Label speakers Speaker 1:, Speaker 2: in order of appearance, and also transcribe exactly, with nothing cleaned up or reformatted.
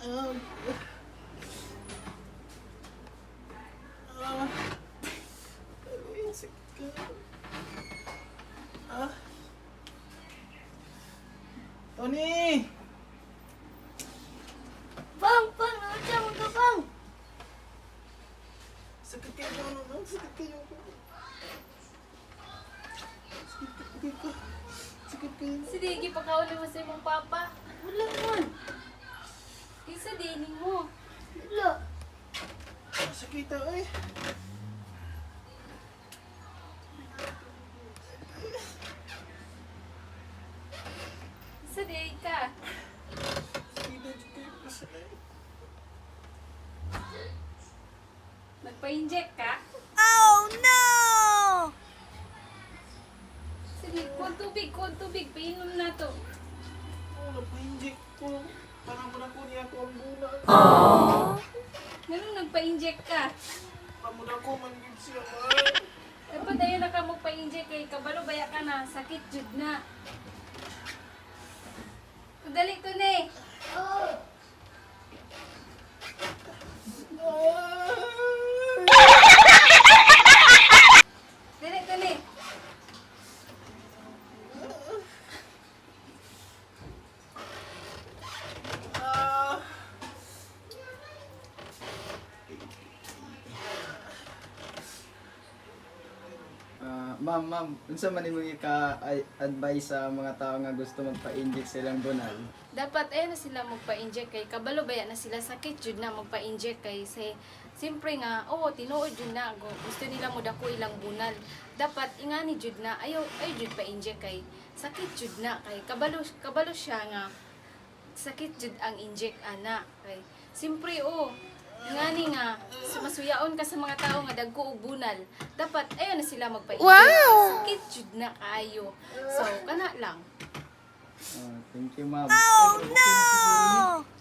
Speaker 1: Ah. Ah. Ay, sakit ka. Ah. Tony!
Speaker 2: Bang! Bang! Nandiyan mo ka, Bang!
Speaker 1: Sakit kayo naman, sakit kayo. Sakit kayo ka. Sakit kayo.
Speaker 2: Sige, pagkauli mo sa imong papa. Wala man. Isa din mo. Wala.
Speaker 1: Sakit ah, eh.
Speaker 2: Isa din ka.
Speaker 1: Sakit ah, sakit kayo.
Speaker 2: Nagpa-inject ka?
Speaker 3: Oh no!
Speaker 2: Sige, kuha tubig, kuha tubig. Painom na to.
Speaker 1: Oh, napa-inject ko. Parang mo na ko niya ako ang bulan.
Speaker 2: Ganun nagpa-inject ka?
Speaker 1: Parang na ko man yun siya, man.
Speaker 2: Dapat dahil na ka magpa-inject kay kabalo baya ka na. Sakit jud na. Dali to ne. Dali to ne.
Speaker 1: Ah.
Speaker 4: Ah, ma'am, ma'am, unsa man imong ka-advise sa mga tao nga gusto magpa-inject silang bunal?
Speaker 2: Dapat eh na sila magpa-inject kay kabalo baya na sila sakit jud na magpa-inject kay say simpre nga oo tinuod jud na gu- gusto nila mo dako ilang bunal. Dapat ingani jud na ayo ay jud pa-inject kay sakit jud na kay kabalo kabalo siya nga sakit jud ang inject ana kay simpre oo ingani nga masuyaon ka sa mga tao nga dagko og bunal. Dapat ayo na sila magpa-inject.
Speaker 3: Wow!
Speaker 2: Sakit jud na kaayo. So kana lang.
Speaker 4: Ah, thank you, ma'am.
Speaker 3: Oh no!